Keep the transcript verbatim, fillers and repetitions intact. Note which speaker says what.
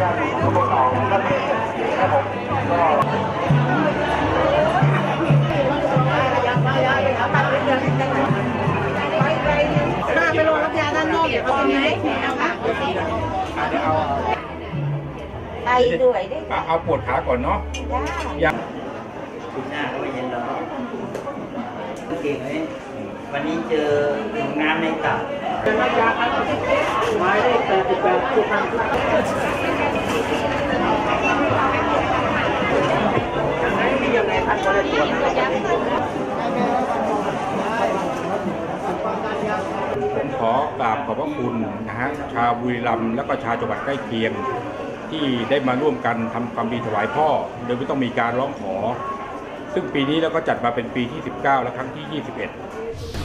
Speaker 1: มาไปโรงรับยาด้านนอกเดี๋ยวเขาจะมีเลขแผลค่ะไอด้วยได้
Speaker 2: เอาปวดขาก่อนเนาะ
Speaker 1: ได้
Speaker 3: คุณหน้าก็ไม่เย็นแล้วเก่งเลยวันนี้เจอน้ำในตับเป็นยาครับหมายเลขแปดสิบแปดทุกครั้งไหนมียังไงท่านก็ได้ตรวจ
Speaker 2: ผมขอกราบขอบพระคุณนะฮะชาวบุรีรัมย์และก็ชาวจังหวัดใกล้เคียงที่ได้มาร่วมกันทำความดีถวายพ่อโดยไม่ต้องมีการร้องขอซึ่งปีนี้เราก็จัดมาเป็นปีที่สิบเก้าและครั้งที่ยี่สิบเอ็ด